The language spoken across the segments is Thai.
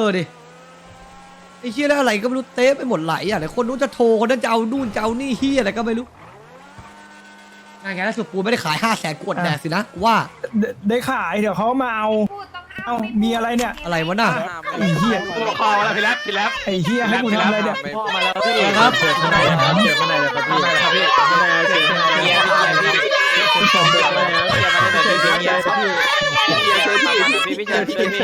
ดิไอ้เฮียแล้วอะไรก็ไม่รู้เต้ไปหมดไหลอ่ะแต่คนนู้นจะโทรคนนั้นจะเอานู่นจะเอานี่เฮียอะไรก็ไม่รู้งานไงล่าสุดกูไม่ได้ขาย500,000กดแดกสินะว่าได้ขายเดี๋ยวเขามาเอามีอะไรเนี่ยอะไรวะน่ะไอ้เหี้ยคอแล้วพี่แรปไอ้เหี้ยให้กูทำอะไรเนี่ยพ่อมาแล้วพี่ครับเชิญข้างในครับเชิญข้างในเลยครับพี่ครับพี่ข้างในเชิญข้างในพี่ผู้ชมเชิญข้างในนะเชิญข้างในครับพี่พี่เชิญพี่พี่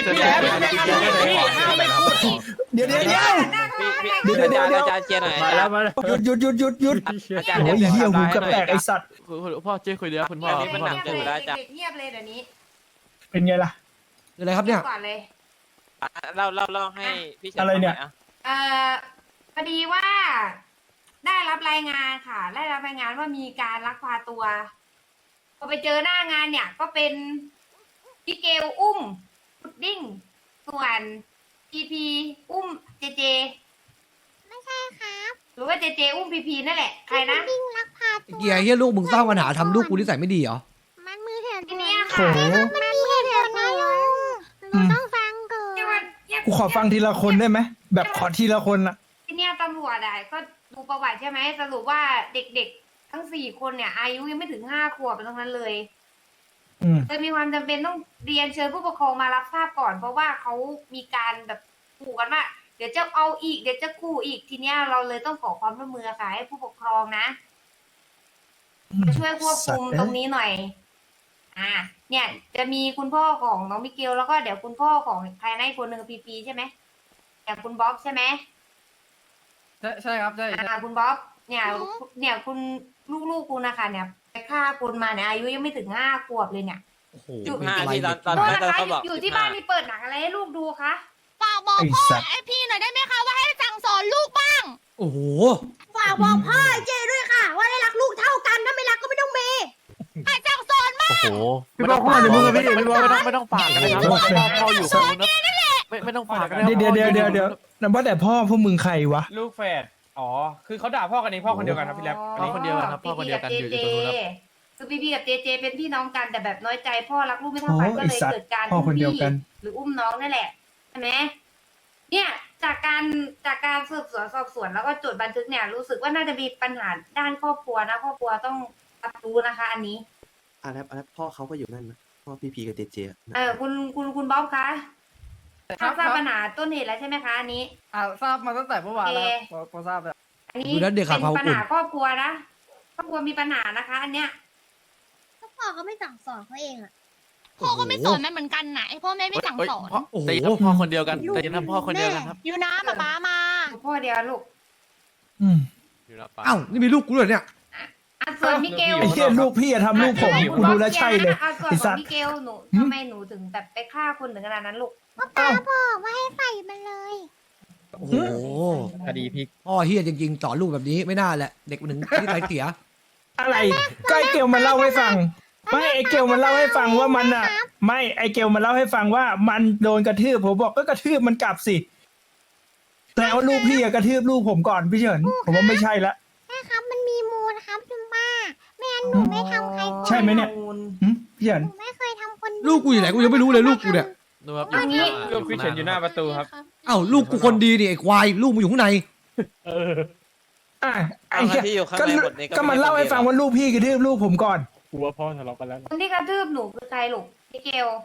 เดี๋ยวอาจารย์เจียหน่อยมาแล้วมาแล้วหยุดอาจารย์โอ้ยเหี้ยหูกระแตกไอ้สัตว์พ่อเจ๊คุยเดี๋ยวคุณพ่อนี่มันหนักเกินไปแล้วอาจารย์เด็กๆเงียบเลยเดี๋ยวนี้เป็นไงล่ะคืออะไรครับเนี่ยก่อนเลยเล่าให้พี่เฉินอะไรเนี่ยพอดีว่าได้รับรายงานค่ะ ได้รับรายงานว่ามีการลักพาตัว พอไปเจอหน้างานเนี่ย ก็เป็นพี่เกลอุ้มพุดดิ้ง ส่วนพีพีอุ้มเจเจไม่ใช่ครับหรือว่าเจเจอุ้มพีพีนั่นแหละ ใครนะวิ่งลักพาไอ้ตัวเกียร์เฮียลูกมึงสร้างปัญหาทำลูกกูนิสัยไม่ดีเหรอมันมือเถื่อนทีเนี้ยโถค่ะมันมีเหตุผลนะลุงหนูต้องฟังก่อนเนี่ยวันเนี่ยกูขอฟังทีละคนได้ไหมแบบขอทีละคนอะทีเนี้ยตำรวจอะก็ดูประวัติใช่ไหมสรุปว่าเด็กๆ ทั้ง4 คนเนี่ย อายุยังไม่ถึง5 ขวบเป็นตรงนั้นเลย จะมีความจำเป็นต้องเรียนเชิญผู้ปกครองมารับทราบก่อน เพราะว่าเขามีการแบบขู่กันว่าเดี๋ยวจะเอาอีกเดี๋ยวจะขู่อีกทีเนี้ยเราเลยต้องขอความร่วมมือค่ะให้ผู้ปกครองนะจะช่วยควบคุมตรงนี้หน่อย เนี่ยจะมีคุณพ่อของน้องมิเกลแล้วก็เดี๋ยวคุณพ่อของใครนะอีกคนหนึ่งพีพีใช่ไหมอย่างคุณบ๊อบใช่ไหมใช่ครับใช่คุณบ๊อบเนี่ยคุณลูกๆคุณนะคะเนี่ยไปฆ่าคุณมาเนี่ยอายุยังไม่ถึง5 ขวบเลยเนี่ยโอ้โห 15ที่ตอนโทษนะคะเขาบอกอยู่ที่บ้านมีเปิดหนังอะไรให้ลูกดูคะฝากบอกไอ้พ่อสัตว์ไอพี่หน่อยได้ไหมคะว่าให้สั่งสอนลูกบ้างโอ้โหฝากบอกพ่อไอเจด้วยค่ะ ว่าได้รักลูกเท่ากันถ้าไม่รักก็ไม่ต้องมีให้สั่งสอนบ้างโอ้โหพี่บอกว่าเดี๋ยวมึงพี่พี่บอกไม่ต้องฝากกันนะครับพ่ออยู่กับมึงนะไม่ต้องฝากกันเดี๋ยวนั่นว่าแต่พ่อพวกมึงใครวะลูกแฝด อ๋อ คือเขาด่าพ่อกันเองพ่อคนเดียวกันครับพี่แรปอันนี้คนเดียวกันครับพ่อคนเดียวกันอยู่ตรงนู้นครับคือพี่กับเจเจเป็นพี่น้องกันแต่แบบน้อยใจพ่อรักลูกไม่เท่ากันโอ้ก็ไอ้เลยสัตว์เกิดการพ่ออุ้มคนเดียวพี่กันหรืออุ้มน้องนั่นแหละใช่ไหมเนี่ยจากการสืบสวนสอบสวนแล้วก็จดบันทึกเนี่ยรู้สึกว่าน่าจะมีปัญหาด้านครอบครัวนะครอบครัวต้องรับรู้นะคะ อันนี้แล้วพ่อเขาก็อยู่นั่นนะพ่อพีพีกับเจเจอะคุณบ๊อบคะทราบปัญหาต้นเหตุแล้วใช่ไหมคะอันนี้ทราบมาตั้งแต่เมื่อวานแล้วโอเคพอทราบแล้วอันนี้ดูแล้วเด็กขาดความเป็นปัญอุ่นหาครอบครัวนะครอบครัวมีปัญหานะคะ อันเนี้ยพ่อเขาไม่สั่งสอนเขาเองอะพ่อก็ไม่สอนมันเหมือนกันนะไอพ่อแม่ไม่สั่งสอนโอ้โหแต่ยังพ่อคนเดียวกันแต่ยังพ่อคนเดียวกันครับอยู่นะป๊ามาพ่อเดียวลูกอยู่ละป้าเอ้านี่มีลูกกูด้วยเนี่ยส่วนมิเกลไอ้เหี้ยลูกพี่อะทำลูกผมกูดูแลวใช่เลยส่วนไอ้ขสัองตว์มิเกลหนูทำไมหนูถึงแบบไปฆ่าคนถึงขนาดนั้นลูกเอ้าบอกว่าให้ใส่มันเลยโอ้โหคดีพลิกพ่อเฮียจริงๆสอนลูกแบบนี้ไม่น่าแหละเด็กมันถึงนิสัยเสียอะไรก็ไอเกลมันเล่าให้ฟังไม่ไอเกลมันเล่าให้ฟังว่ามันอะไม่ไอเกลมันเล่าให้ฟังว่ามันโดนกระทืบผมบอกก็กระทืบมันกลับสิแต่ว่าลูกพี่อะกระทืบลูกผมก่อนพี่เฉินผมว่าไม่ใช่ละใช่ครับมันมีมูลครับจุมบ้าไม่งั้นหนูไม่ทำใครใช่ไหมเนี่ย หึพี่เฉินหนูไม่เคยทำคนเดียวลูกกูอยู่ไหนกูยังไม่รู้เลยลูกกูเนี่ยดูครับอันนี้ลูกพี่เฉินอยู่หน้าประตูครับเอ้าลูกกูคนดีนี่ไอ้ควายลูกมึงอยู่ข้างในอ่ะไอ้เอาเหี้ยที่อยู่ข้างก็ในหมดนี่ก็มันเล่าให้ฟังว่าลูกพี่กระทืบลูกผมก่อนกูว่าพ่อทะเลาะกันแล้วคนที่กระทืบหนูคือใครลูกมิเกล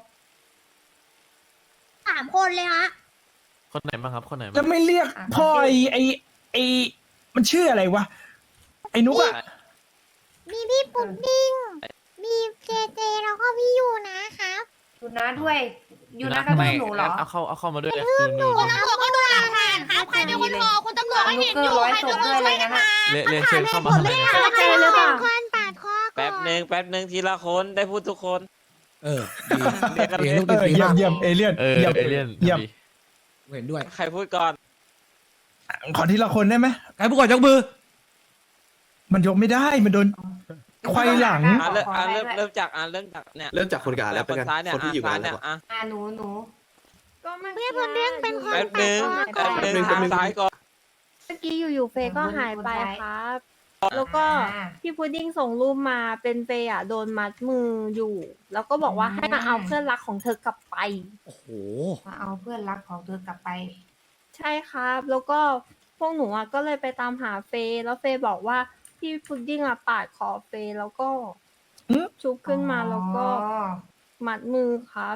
3 คนเลยฮะคนไหนบ้างครับคนไหนจะไม่เรียกพ่อไอมันชื่ออะไรวะไอ้นุกอะมีพี่ปุ๊ดดิ้งมีเจเจแล้วก็พี่ยูนะครับอยู่นะด้วยอยู่นะกระทืบหนูเหรอเอาเข้ามาด้วยเลยคุณตำรวจก็ดูหลักฐานครับใครเป็นคนพอคุณตำรวจไม่เห็นอยู่ใครเป็นคนช่วยกันมาเรียนเชิญเข้ามาข้างในแล้วใครเป็นคนปาดคอก่อนแป๊บหนึ่งทีละคนได้พูดทุกคนเออเรียกกันดีเลเห็นยลูกดีเยี่ยมาม กเยี่ยมเอเลี่ยนเออเยี่ยมเอเลี่ยนเยี่ยมเห็นด้วยใครพูดก่อนขอทีละคนได้ไหมใครผู้ก่อนยกมือมันยกไม่ได้มันโดนควายหลังเริ่มจากเนี่ยเริ่มจากคนกลางแล้วเป็นคนกันซ้ายเนี่ยคนที่อยู่กลางเนี่แล้ยวอะหนูก็ไม่เพื่อนปุ๊ดดิ้งเป็นคนแป๊บปาหดนึ่งคอก่อนทางซ้ายก่อนเมื่อกี้อยู่ๆเฟยก็หายไปครับแล้วก็พี่พุดดิ้งส่งรูปมาเป็นเฟย์อะโดนมัดมืออยู่ แล้วก็บอกว่าให้มาเอาเพื่อนรักของเธอกลับไปโอ้โหมาเอาเพื่อนรักของเธอกลับไปใช่ครับ แล้วก็พวกหนูอะก็เลยไปตามหาเฟย์แล้วเฟย์บอกว่าพี่พุดดิ้งอะปาดคอเฟย์แล้วก็ชุบขึ้นมาแล้วก็มัดมือครับ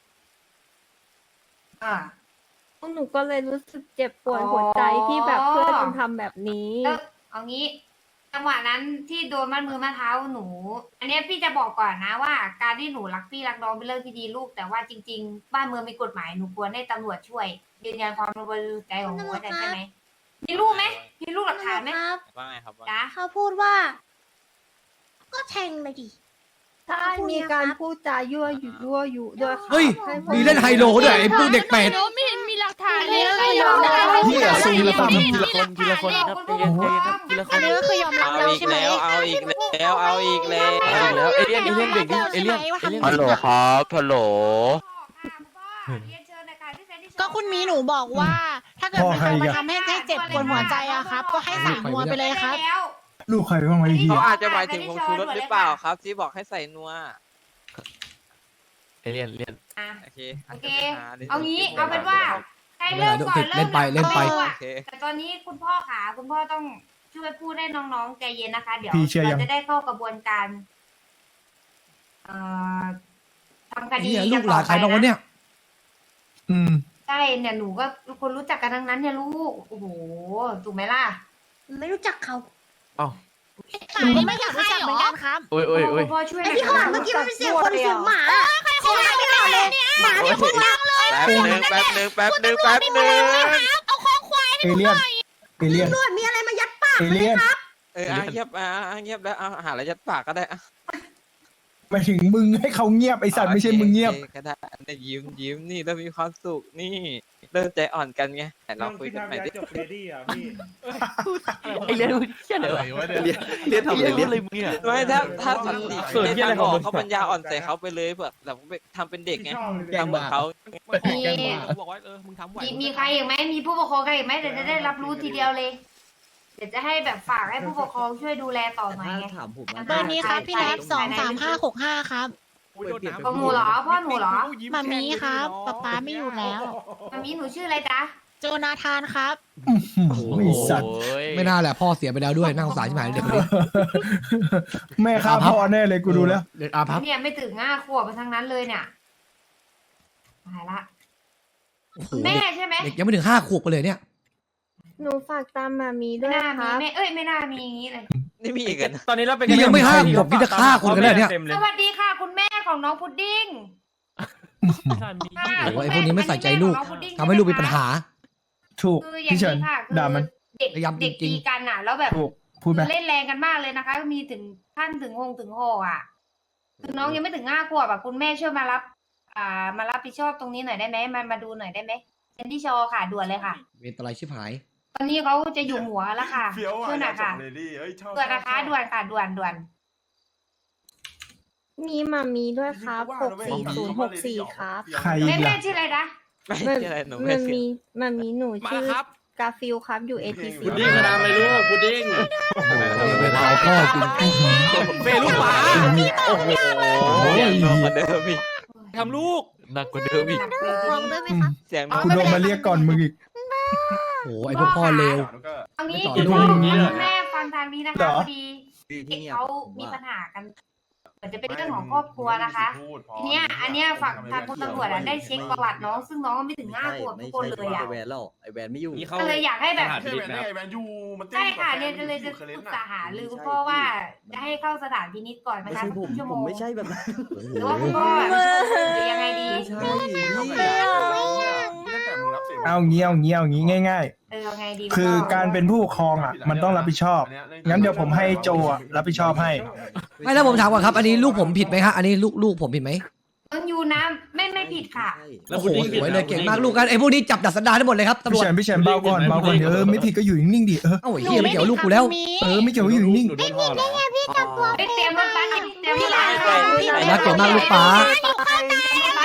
อ่าพวกหนูก็เลยรู้สึกเจ็บปวดหัวใจที่แบบเพื่อนมันทำแบบนี้แล้วเอางี้จังหวะนั้นที่โดนมัดมือมัดเท้าหนู อันเนี้ยพี่จะบอกก่อนนะว่า การที่หนูรักพี่รักน้องเป็นเรื่องที่ดีลูก แต่ว่าจริง ๆ บ้านเมืองมีกฎหมายหนูควรให้ตำรวจช่วยยืนยันความบริสุทธิ์ใจของหนูได้ใช่ไหมมีรูปไหมมีรูปหลักฐานไหมครับว่าไงครับว่าจ๊ะเขาพูดว่าก็แทงเลยดิใช่มีการพูดจายั่วยุด้วยค่ะเฮ้ยให้พวกมีเล่นไฮโลด้วยไอ้พวกเด็กเป็ดไม่เห็นมีหลักฐานเลยเหี้ยซูมแล้วซ้ำทีละคนทีละคนครับใจเย็นใจเย็นครับทีละคอันนนี้ก็คือยอมรับเอาแล้วอีกใช่ไหมแล้วเอาอีกแล้วเอาอีกแล้วเอาอีกแล้วเอเลี่ยนเบรกดิเอเลี่ยนฮัลโหลครับฮัลโหลก็คุณมีหนูบอกว่า ถ้าเกิดมันมาทำให้เจ็บปวดหัวใจอะครับ ก็ให้ใส่นัวไปเลยครับลูกใครบ้างวะไอ้เหี้เขายอาจจะหมายถึงผมชูรถหรือเปล่าครับ ที่บอกให้ใส่นัวเอเลี่ยนเลี่ยนอ่ะโอเคโอเค เอางี้เอาเป็นว่าใครเริ่มก่อนเล่นไปเล่นไปริ่มก่อโอเคแต่ตอนนี้คุณพ่อขาคุณพ่อต้องช่วยพูดให้น้องๆใจเย็นนะคะ เดี๋ยวพี่เชื่อยังเราจะได้เข้ากระบวนการเอ่อทำคดีเหี้ยกัลูนกหต่ลาอน ไปใครบ้างวะนะเนี่ยอืมใช่เนี่ยหนูก็คนรู้จักกันทั้งนั้นเนี่ยลูกโอ้โหถูกไหมล่ะไม่รู้จักเขาเอ้าหมานี่ไม่อยากรู้จักเหมือนกันครับโอ้ยโอ้ยโอ้ยคุณพ่อช่วยหไอ้น่อยที่ข้างหลังนะเมื่อกี้มันเป็นเสียงคนหรือเสียงหมาเสียงหมาไม่ต่อเลยหมาเนี่ยพูดดังเลยแป๊บนึงแป๊บนึงแป๊บนึงแป๊บนึงเอาคอควายเอเลี่ยน เอเลี่ยนตำรวจมีอะไรมายัดปากเอเลี่ยนเงียบเงียบแล้วหาอะไรยัดปากก็ได้หมายถึงมึงให้เขาเงียบไอสัตว์ไม่ใช่มึงเงียบก็ได้เนี่ยยิ้มนี่แล้วมีความสุขนี่เริ่มใจอ่อนกันไงแต่เราคุยกันใหม่ดิไอเลี่ยนเชี่ยอะไรวะเนี่ยเลี่ยนทำอะไรเลี่ยนอะไรมึงเนี่ยไม่ถ้าสันติส่วนที่อะไรของมึงเขาปัญญาอ่อนใส่เขาไปเลยแบบแบบทำเป็นเด็กไงทำเหมือนเขาบอกว่ามึงทำไหวมีใครอีกไหมมีผู้ปกครองใครอีกไหมเดี๋ยวจะได้รับรู้ทีเดียวเลย เดี๋ยวจะให้แบบฝากให้ผู้ปกครองช่วยดูแลต่อหน่อยไงเบอร์นี้ครับพี่แนท23565ครับของหนูเหรอพ่อหนูเหรอมามีครับป๊าไม่อยู่แล้วมามีหนูชื่ออะไรจ๊ะโจนาธานครับไอสัตว์ไม่น่าแหละพ่อเสียไปแล้วด้วยน่าสงสารชิบหายเลยเด็กคนนี้แม่ฆ่าพ่อแน่เลยกูดูแล้วเด็กอาพับเนี่ยไม่ถึง5 ขวบไปทั้งนั้นเลยเนี่ยตายละโอ้โหแม่ใช่ไหมเด็กยังไม่ถึง5 ขวบกันเลยเนี่ยหนูฝากตามมามีด้ไม่วยน่าคมีรับแม่เอ้ยไม่น่ามีอย่างนี้เลยนี่มีอีกกันตอนนี้เราเป็นนี่ยังไม่5 ขวบนี่จะฆ่าคนกันแล้วเนี่ยสวัสดีค่ะ คุณแม่ของน้องพุดดิ้งโอ้โหไอ้พวกนี้ไม่ใส่ใจลูกทำให้ลูกมีปัญหาถูกคืออย่างพี่เฉินนี้ค่ะคือด่ามันเด็กพยายามเด็กจริตีงๆกันอ่ะ แล้วแบบถูก พูดไปเล่นแรงกันมากเลยนะคะ มีถึงขั้นถึงหกอ่ะ คือน้องยังไม่ถึง5 ขวบอ่ะคุณแม่ช่วยมารับ มารับผิดชอบตรงนี้หน่อยได้ไหมมาดูหน่อยได้ไหมเซนดี้ชอค่ะด่วนเลยค่ะเวรอะไรชิบหายตอนนี้เขาจะอยู่หัวแล้วค่ะช่วยหน่อยค่ะด่วนนะคะด่วนค่ะด่วนมีมามีด้วยครับ64064ครับใครๆอีแม่กแม่ล่ะชื่ออะไรนะไม่ใช่อะไรหนูไม่มันเสียมีมันมีหนูชื่อกาฟิลครับอยู่ ATC พุดดิ้งทำอะไรลูกพุดดิ้งโอ้โหเวรเอาพ่อจริงเฟลูกหมาโอ้โหยังโดนกว่าเดิมอีกทำลูกหนักกว่าเดิมอีกลองด้วยไหมครับเสียงกูโดนมาเรียกก่อนมึงอีกโอ้โหไอ้พวกพ่อเลวเอางี้ไม่ต่อคุณลูพ่อกอย่างนี้คุณเลยแม่ฟังทางนี้นะเหรคะอพอดีเด็กเขามีปัญหากันเหมือนจะเป็นเรื่องของครอบครัวนะคะทีเนี้ยอันเนี้ยฝั่งทางคุณตำรวจอะได้เช็คประวัติน้องซึ่งน้องไม่ถึง5 ขวบทุกคนเลยอะไอแวนแล้วไอแวนไม่อยู่ก็เลยอยากให้แบบสถานพินิจนะครับใช่ค่ะเนี่ยจะเลยจะปรึกษาหารือคุณพ่อว่าจะให้เข้าสถานพินิจก่อนไหมไม่คะใช่ผมชั่วโมผมงไม่ใช่แบบนั้นหรือว่าคุณพ่อหรือยังไงดีไม่ใช่พี่เอางี้เอางี้ง่ายเอาไงดีๆ คือการเป็นผู้ปกครองอ่ะ มันต้องรับผิดชอบ งั้นเดี๋ยวผมให้โจอ่ะรับผิดชอบให้ไม่แล้วผมถามก่อนครับ อันนี้ลูกผมผิดไหมฮะอันนี้ลูกผมผิดไหมต้องอยู่นะไม่ผิดค่ะโอ้โหสวยเลยเก่งมากลูกกันไอ้พวกนี้จับดัดสันดานได้หมดเลยครับตำรพี่วจเฉินพี่เฉินเบาก่อนเบาก่อนเดี๋ยวไม่ผิดก็อยู่นิ่งๆดิเอ้าไอ้เหี้ยไม่เกี่ยวกับลูกกูแล้วไม่เกี่ยวก็อยู่นิ่งหนูโดนพ่อเหรอเตรียมรถบัสเตรียมรถบัสรักเก่งมากลูกป๋า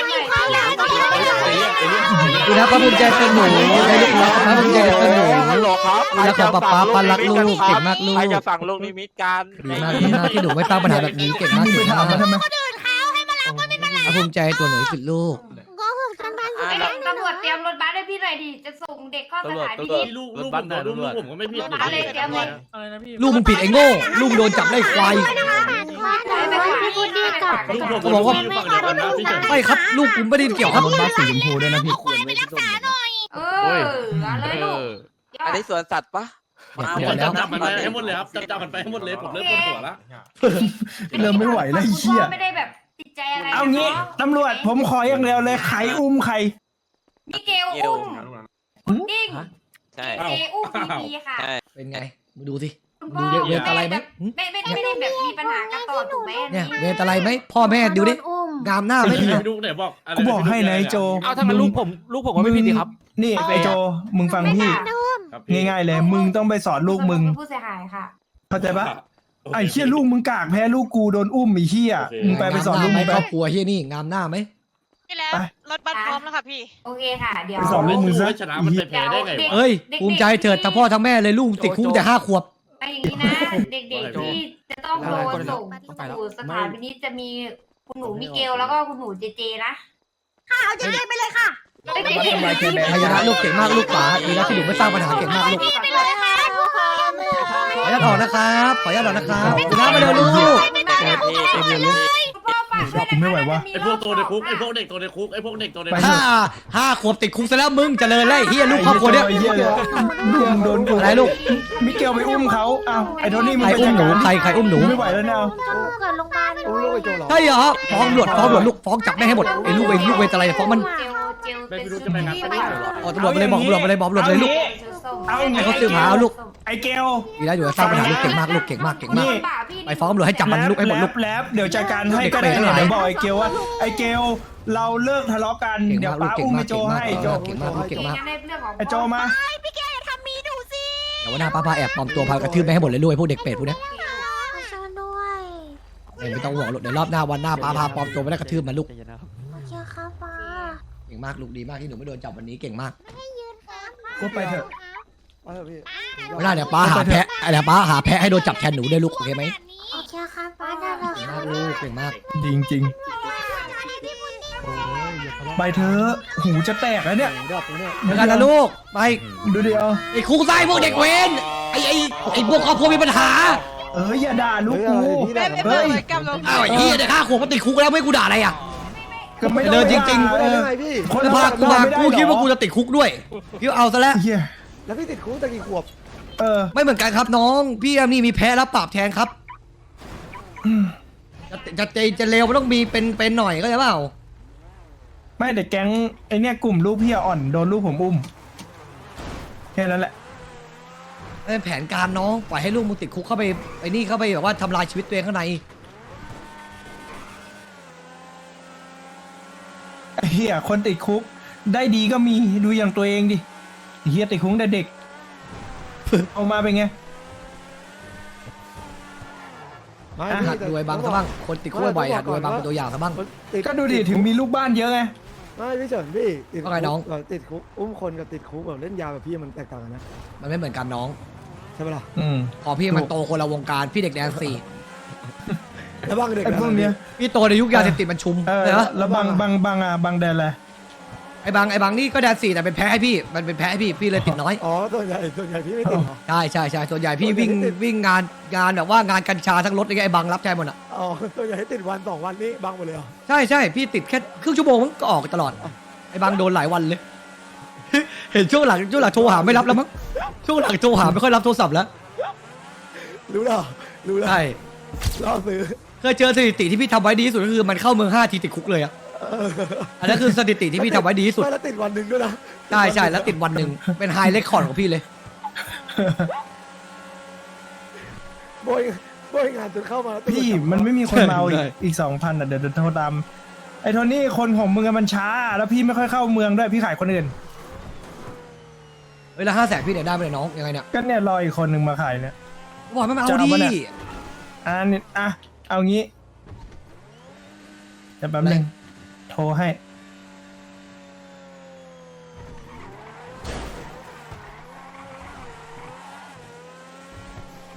เอเลี่ยนดูนะพระภูมิใจเป็นหนูได้ลูกรักพระภูมิใจเป็นหนูฮัลโหลครับแล้วขอป๊าป๊ารักลูกเก่งมากลูกใครจะสั่งลูกนิมิตกันดีมากดีมากที่หนูไม่ตั้งปัญหาแบบนี้เก่งมากมึงเก่ไปงถามมากมาทำไมภูมิใจตัวหนูที่สุดลูกก็คือกันบ้านอยู่ไอ้แล้วตำรวจเตรียมรถบัสให้พี่หน่อยดิจะส่งเด็กเข้าสถานพินิจลูกผมเหรอลูกผมก็ไม่ผิดมาเลยเตรียมเลยอะไรนะพี่ลูกมึงผิดไอ้โง่ลูกโดนจับได้ควายพี่พูดดีกับลูกผมก็บอกว่าอยู่ฝั่งเดียวกันนะพี่เฉินไม่ครับลูกผมไม่ได้เกี่ยวครับรถบัสสีชมพูด้วยนะพี่เอออะไรลูกอันนี้สวนสัตว์ปะเดี๋ยวแล้วจับมันไปให้หมดเลยครับจับมันไปให้หมดเลยผมเริ่มปวดหัวแล้วเริ่มไม่ไหวแล้วไอ้เหี้ยไม่ได้แบบติดใจอะไรเอางี้ตำรวจผมขออย่างเดียวเลยใครอุ้มใครมิเกลอุ้มดิ้งใช่เจอุ้มพีพีค่ะใช่เป็นไงมาดูสิคุณดูพ่อเวทอะไรไหมไม่ได้แบบมีปัญหากันต่อถูกไหมเนี่ยเวทอะไรไหมพ่อแม่ดูดิงามหน้าไหมพี่ดูไหนบอกกูบอกให้นะไอ้โจเอาทำไมลูกผมก็ไม่ผิดดีครับนี่ไอ้โจมึงฟังพี่ ง่ายๆเลย มึงต้องไปสอนลูกมึงผู้เสียหายค่ะเข้าใจปะไอ้เหี้ยลูกมึงกากแพ้ลูกกูโดนอุ้มไอ้เหี้ยมึงไปสอนลูกไหมมึงไปครอบครัวเฮียนี่งามหน้าไหมพี่แล้วรถบัสพร้อมแล้วค่ะพี่โอเคค่ะ เดี๋ยวไปสอนลูกมึงซะชนะมันไปแพ้ได้ไงวะเอ้ยภูมิใจเถิดทั้งพ่อทั้งแม่เลยลูกติดคุกแต่5 ขวบไอ้อย่างนี้นะ เด็กๆที่จะต้องโดนส่งสู่สถานพินิจจะมีคุณหนูมิเกลแล้วก็คุณหนูเจเจนะเอาเจเจไปเลยค่ะพยานะลูกเก่งมากลูกป๋าดีแล้วที่หนูไม่สร้างปัญหาเก่งมากลูกไปเลยค่ะขออนุญาตออกนะครับขออนุญาตออกนะครับดูน้ามาเร็วลูกไม่ไหววะไอพวกตัวในคุกไอพวกเด็กตัวในคุกไอพวกเด็กตัวในคุก 5 ขวบติดคุกซะแล้วมึงเจริญเลยเฮียลูกครอบครัวเนี้ยไอ้เหี้ยเลยลูกมึงโดนกูอะไรลูกมิเกลไปอุ้มเขาอ้าวไอ้โทนี่มึงใครไปอุ้มหนูจัดการใครอุ้มหนูไม่ไหวแล้วเนี่ยเอาเกิดโรงพยาบาลอุ้มลูกไอ้โจเหรอใช่เหรอฟ้องตำรวจลูกฟ้องจับได้ให้หมดไอ้ลูกเวทอะไรฟ้องมันไม่รู้จะไปงานปฏิบัติหรอตำรวจไปเลยบอกตำรวจไปเลยบอกตำรวจเลยลูกเอาอย่างให้งี้เขาสืบหาเอาลูกไอ้เกลดีแล้วอยู่สร้างปัญหาลูกเก่งมากลูกเก่งมากเก่งมากไปฟ้องตำรวจให้จับมันลูกให้หมดลูกแล้วเดี๋ยวจัดการให้ก็ได้เด็กเปรตทั้งหลายเดี๋ยวบอกไอ้เกลว่าไอ้เกลเราเลิกทะเลาะกันเก่งเดี๋ยวมากลูป้ากเก่งอุ้มมาไอ้กโจเก่งมากให้โจเก่งมากลูกเก่งมากไอ้โจมาพี่แกอย่าทำมีดูสิเดี๋ยววันหน้าป้าแอบปลอมตัวพากระทืบไปให้หมดเลยลูกไอ้พวกเด็กเป็ดพวกเนี้ยเชิญด้วยไม่ต้องห่วงลูกเดี๋ยวรอบหน้าวันหน้าป้าพาปลอมตัวไปได้กระทืบมันลูกโอเคครับป้าเก่งมากลูกดีมากที่หนูไม่โดนจับวันนี้เก่งมากก็ไปเถอะเอาเถอะพี่วันหน้าเดี๋ยวป้าหาแพะเดี๋ยวป้าหาแพะให้โดนจับแทนหนูด้วยลูกโอเคไหมโอเคครับป้าได้เลยเก่งครัมาบกลูกเก่งมากดีจริงๆไปเถอะหูจะแตกแล้วเนี่ยเดี๋ยวผมเนี่ยเหมือนกันนะลูกไปดูเดียวไอ้คุกไส้พวกเด็กเวนไอ้พวกครอบครัวมีปัญหาอย่าด่าลูกกูเฮ้ยอ้าวไอ้เหี้ยเด็ก5 ขวบมันติดคุกแล้วไม่กูด่าอะไรอ่ะก็ไม่เดินจริงๆไม่ได้ยังไงพี่คนแล้วพากูมากูคิดว่ากูจะติดคุกด้วยคิดว่าเอาซะแล้วเฮียแล้วพี่ติดคุกตั้งกี่ขวบไม่เหมือนกันครับน้องพี่นี่มีแพ้รับปราบแทนครับจะเลวมันต้องมีเป็นหน่อยก็ใช่เปล่าไม่แต่แก๊งไอเนี่ยกลุ่มลูกพี่อ่อนโดนลูกผมอุ้มแค่นั้นแหละเป็นแผนการน้องปล่อยให้ลูกมึงติดคุกเข้าไปไอ้นี่เข้าไปแบบว่าทำลายชีวิตตัวเองข้างในเฮียคนติดคุกได้ดีก็มีดูอย่างตัวเองดิเฮียติดคุกแต่เด็ก เอามาเป็นไงไม่หัดดูไอ้บังซะบ้างคนติดคุกบ่อยๆหัดดูไอ้บังเป็นตัวอย่างซะบ้างก็ดูดิถึงมีลูกบ้านเยอะไงไม่พี่เฉินพี่ติดว่าไงน้องติดคุกอุ้มคนกับติดคุกแบบเล่นยาแบบพี่มันแตกต่างกันนะมันไม่เหมือนกันน้องใช่ปะล่ะพอพี่มันโตคนละวงการพี่เด็กแดนสี่แล้วบางเด็กไอ้พวกเนี้ยพี่โตในยุคยาเสพติดมันชุมเลยนะแล้วบางแดนอะไรไอ้บังนี่ก็แดนสี่แต่เป็นแพ้ให้พี่มันเป็นแพ้ให้พี่เลยติดน้อยอ๋อส่วนใหญ่พี่ไม่ติดเหรอใช่ส่วนใหญ่พี่วิ่งงานแบบว่างานกัญชาทั้งรถเลยไอ้บังรับแทนหมดอ่ะอ๋อส่วนใหญ่ติดวัน2 วันนี้บางหมดเลยเหรอใช่พี่ติดแค่ครึ่งชั่วโมงมันก็ออกตลอดไอ้บังโดนหลายวันเลย เห็นช่วงหลังโทรหาไม่รับแล้วมั้งช่วงหลังโทรหาไม่ค่อยรับโทรศัพท์แล้วรู้แล้วใช่รอซื้อเคยเจอสถิติที่พี่ทำไว้ดีที่สุดก็คือมันเข้าเมือง5 ทีติดคุกเลยอะอันนั้นคือสถิติที่พี่ทำไว้ดีที่สุดไม่แล้วติดวันหนึ่งด้วยนะใช่แล้วติดวันหนึ่งเป็นไฮเรคคอร์ดของพี่เลยโบยงานจนเข้ามาแล้วพี่มันไม่มีคนมาเอาอีก 2,000อ่ะเดี๋ยวโทรตามไอ้โทนี่คนของมึงอะมันช้า แล้วพี่ไม่ค่อยเข้าเมืองด้วยพี่ขายคนอื่นเวลา500,000พี่เนี่ยได้ไปเลยน้องยังไงเนี่ยก็เนี่ยรออีกคนหนึ่งมาขายเนี่ยบอกไม่มาเอาจะดิเอาปะเนี่ย เอางี้เดี๋ยวแป๊บนึงโทรให้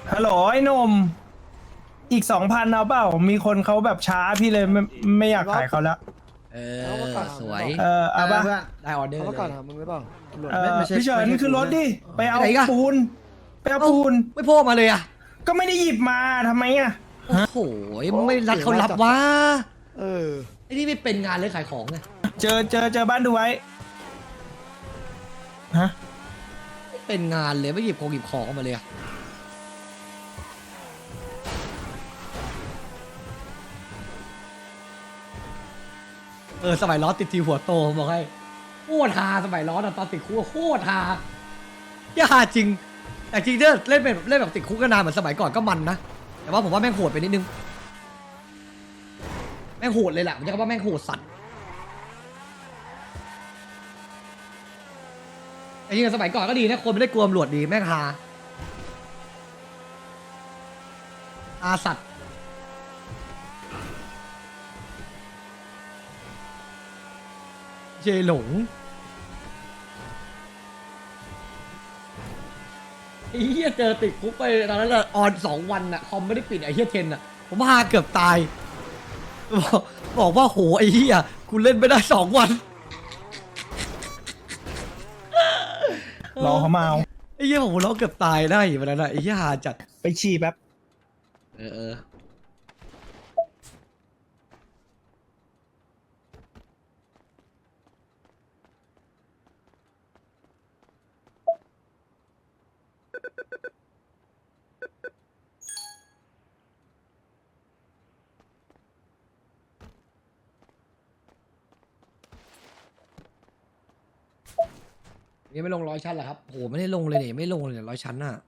ฮัลโหลไอ้หนมอีก 2,000เอาเปล่ามีคนเขาแบบช้าพี่เลยไม่อยากขายเขาแล้วเออสวยเอาป่ะได้ออเดอร์เขาเลก่อนยถามมึงหรือเปล่าพี่เฉินขึ้นรถดิไปเอาไปไหนอีกอะปูนไปเอาปูนไม่โพ่มาเลยอ่ะก็ไม่ได้หยิบมาทำไมอ่ะโอ้โหไม่รักเขารับวะเออไอ้นี่ไม่เป็นงานเลยขายของไงเจอบ้านดูไว้ฮะไม่เป็นงานเลยไม่หยิบของมาเลยอะสมัยล้อติดทีหัวโตผมบอกให้โคตรฮาสมัยล้อตอนติดคุกโคตรฮาอย่าฮาจริง แต่จริงถ้าเล่นแบบติดคุกก็นานเหมือนสมัยก่อนก็มันนะแต่ว่าผมว่าแม่งโหดไปนิดนึงแม่งโหดเลยแหละผมจะว่าแม่งโหดสัตว์แต่จริงๆสมัยก่อนก็ดีนะคนไม่ได้กลัวตำรวจดีแม่งฮาสัตว์เจหลงไอ้เหี้ยเจอติดคุกไปตอนนั้นอะออน2 วันอะคอมไม่ได้ปิดไอ้เหี้ยเทนอะผมพาเกือบตายบอกว่าโหไอ้เหี้ยกูเล่นไม่ได้2 วันรอเขามาเอาไอ้เหี้ยผมร้องเกือบตายได้อยู่วันนั้นอะไอ้เหี้ยหาจัดไปฉี่แป๊บเออยังไม่ลง100 ชั้นเหรอครับโหไม่ได้ลงเลยเนี่ยไม่ลงเลย100 ชั้นน่ะ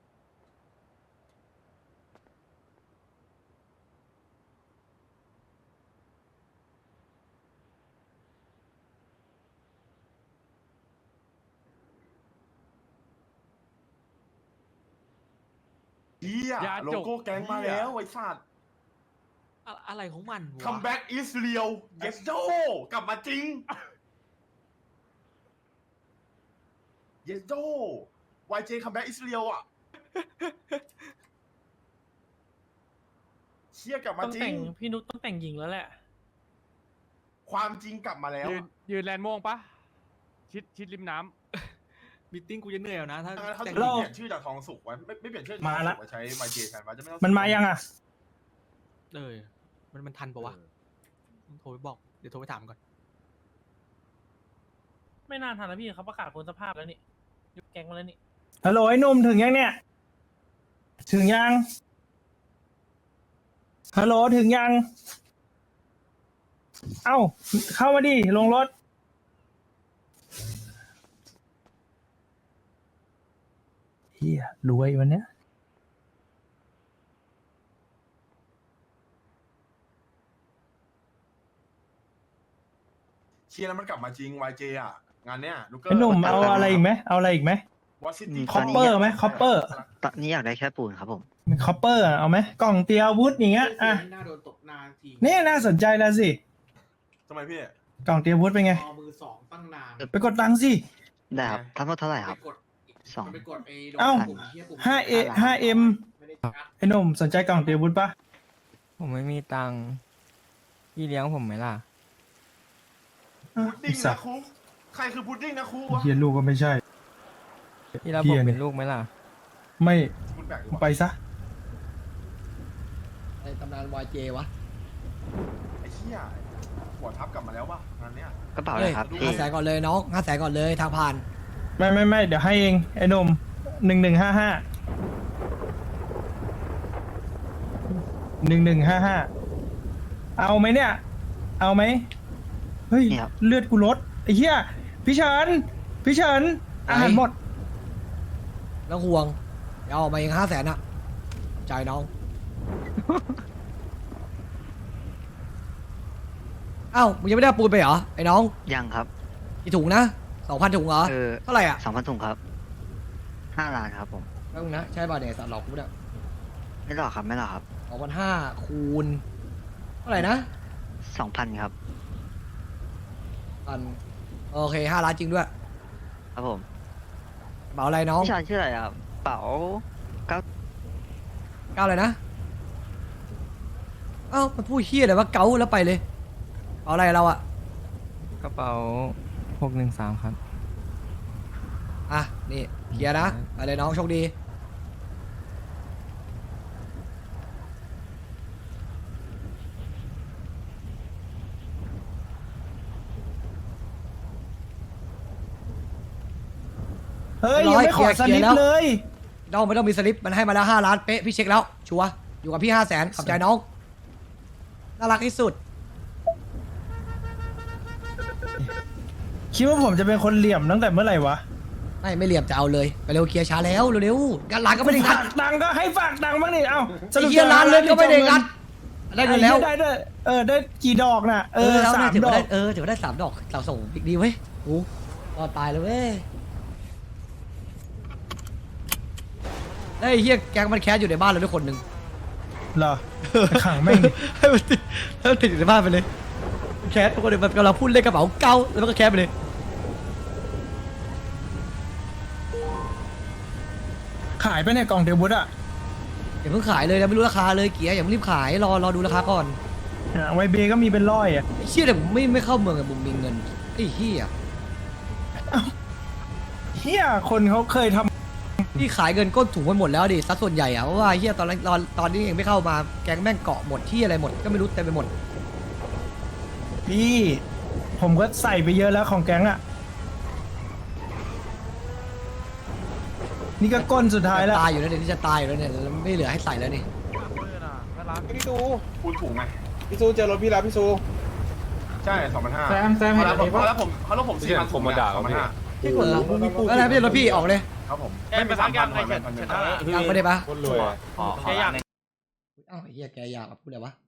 เฮียโลโก้แก๊งมาแล้วไอ้สัตว์อะไรของมันวะคัมแบ็กอิสเรียลเยสโดกลับมาจริงเยสโดวายเจคัมแบ็กอิสเรียลอ่ะเชี่ยกลับมาจริงพี่นุ๊กต้องแต่งหญิงแล้วแหละความจริงกลับมาแล้วยืนแลนด์ม่วงปะชิดริมน้ำมีติ้งกูจะเหนื่อยนะถ้าเขาจะเปลี่ยนชื่อจากทองสุกไว้ไม่เปลี่ยนชื่อจากทองสุกไว้ใช้วายเจแทนวะจะไม่ต้องมันมายังอ่ะมันทันปะวะโทรไปบอกเดี๋ยวโทรไปถามก่อนไม่นานทันนะพี่เขาประกาศพ้นสภาพแล้วนี่ยุบแก๊งมาแล้วนี่ฮัลโหลไอ้หนุ่มถึงยังเนี่ย ถึงยังฮัลโหลถึงยัง เอ้าเข้ามาดิลงรถเฮียรวยวันเนี้ยเชียร์แล้วมันกลับมาจริงวายเจอ่ะงานเนี้ยลูกเกอร์ไอ้หนุ่มเอาอะไรอีกไหมเอาอะไรอีกไหมวอชิตี้คอปเปอร์ไหมคอปเปอร์ตอนนี้อยากได้แค่ปูนครับผมคอปเปอร์เอาไหมกล่องเตรียมอาวุธอย่างเงี้ยอ่ะน่าโดนตกนานทีนี่น่าสนใจแล้วสิทำไมพี่กล่องเตรียมอาวุธเป็นไงมือ2ตั้งนานไปกดตังค์สิได้ครับทั้งหมดเท่าไหร่ครับ สองไปกดไอ้เอ้า 5M ไอ้หนุ่มสนใจกล่องเตรียมอาวุธปะผมไม่มีตังค์พี่เลี้ยงผมไหมล่ะพุดดิ้งนะครูใครคือพุดดิ้งนะครูวะเฮียลูกก็ไม่ใช่พี่รับผมเป็นลูกไหมล่ะไม่คุณแบกอยู่ไปวะซะในตำนาน YJ วะไอ้เหี้ยหัวทับกลับมาแล้วป่ะงานเนี้ยกระเป๋าเลยครับพี่ 500,000ก่อนเลยน้อง500,000ก่อนเลยทางผ่านไม่เดี๋ยวให้เองไอ้หนุ่ม1155 1155เอาไหมเนี่ย เอาไหมเฮ้ยเนี่ยครับเลือดกูลดไอ้เหี้ยพี่เฉินอาหารหมดแล้วห่วงเดี๋ยวเอามาเอง500,000อะใจายน้อง เอ้ามึงยังไม่ได้เอาปูนไปเหรอไอ้น้องยังครับกี่ถุงนะ 2,000 ถุงเหรอ เท่าไหร่อ่ะ 2,000 ถุงครับ 5 ล้านครับผมแป๊บนึงนะใช่ป่ะเนี่ยสัตว์หลอกกูเนี่ยไม่หรอกครับไม่หรอกครับ 2,500 คูณเท่าไหร่นะ 2,000 ครับโอเค5 ล้านจริงด้วยครับผมเป๋าอะไรน้องพี่ชายชื่ออะไรครับเป๋าก้าวอะไรนะเอ้ามันพูดเฮี้ยอะไรวะเก้าแล้วไปเลยเอาอะไรเราอะกระเป๋า613ครับอ่ะนี่เคลียร์นะไปเลยน้องโชคดีเฮ้ยยังไม่ขอสลิปเลยน้องไม่ต้องมีสลิปมันให้มาแล้ว5 ล้านเป๊ะพี่เช็คแล้วชัวร์อยู่กับพี่500,000ขอบใจน้องน่ารักที่สุดคิดว่าผมจะเป็นคนเหลี่ยมตั้งแต่เมื่อไหร่วะไม่เหลี่ยมจะเอาเลยไปเร็วเคลียร์ช้าแล้วเร็วๆกันร้านก็ไม่ได้งัดฝากตังค์ก็ให้ฝากตังค์บ้างนี่เอ้าไอ้เฮียร้านเลยก็ไม่ได้งัดได้เงินแล้วได้ด้วยได้กี่ดอกน่ะแล้ว 3 ถือดว่าอได้กถือว่าได้3 ดอกเราส่งอีกดีเว้ยโอ้รอดตายเลยเว้ยไอ้เฮียแก๊งมันแคสอยู่ในบ้านเราด้วยคนหนึ่งเหรอขังแม่งให้มันติดอยู่ในบ้านไปเลยแคสทุกคนเลยมันกำลังพูดเล่นกระเป๋าเก้าแล้วมันก็แคสไปเลยขายไปในกล่องเดวุฒอะอย่าเพิ่งขายเลยนะไม่รู้ราคาเลยเกียร์อย่าเพิ่งรีบขายรอดูราคาก่อนไวเบก็มีเป็นร้อยอะไอ้เชี่ยแต่ผมไม่เข้าเมืองอะผมมีเงินไอ้เฮียเฮียคนเขาเคยทพี่ขายเงินก้นถุงไปหมดแล้วดิซัดส่วนใหญ่อะเพราะว่าเฮียตอนนี้เองไม่เข้ามาแก๊งแม่งเกาะหมดที่อะไรหมดก็ไม่รู้เต็มไปหมดำพี่ ผมก็ใส่ไปเยอะแล้วของแก๊งอะนี่ก็ก้นสุดท้ายแล้วตายอยู่แล้วเนี่ยนี่จะตายอยู่แล้วเนี่ยแล้วไม่เหลือให้ใส่แล้วนี่พี่ซูคูณถุงไหมพี่ซูเจอรถพี่แล้วพี่ซูใช่2,500 แซมเห็นอะไรปะแล้วผม4,000ผมมาด่าเขา2,500 ที่กดรับมึงมีปูอะไรไม่ใช่รถพี่ออกเลยครับผมไม่เป็น3,000ใครชนะยังไม่ได้ปะคนรวยขออยากอ้าวไอ้เฮียแกอยากพูดอะไรวะ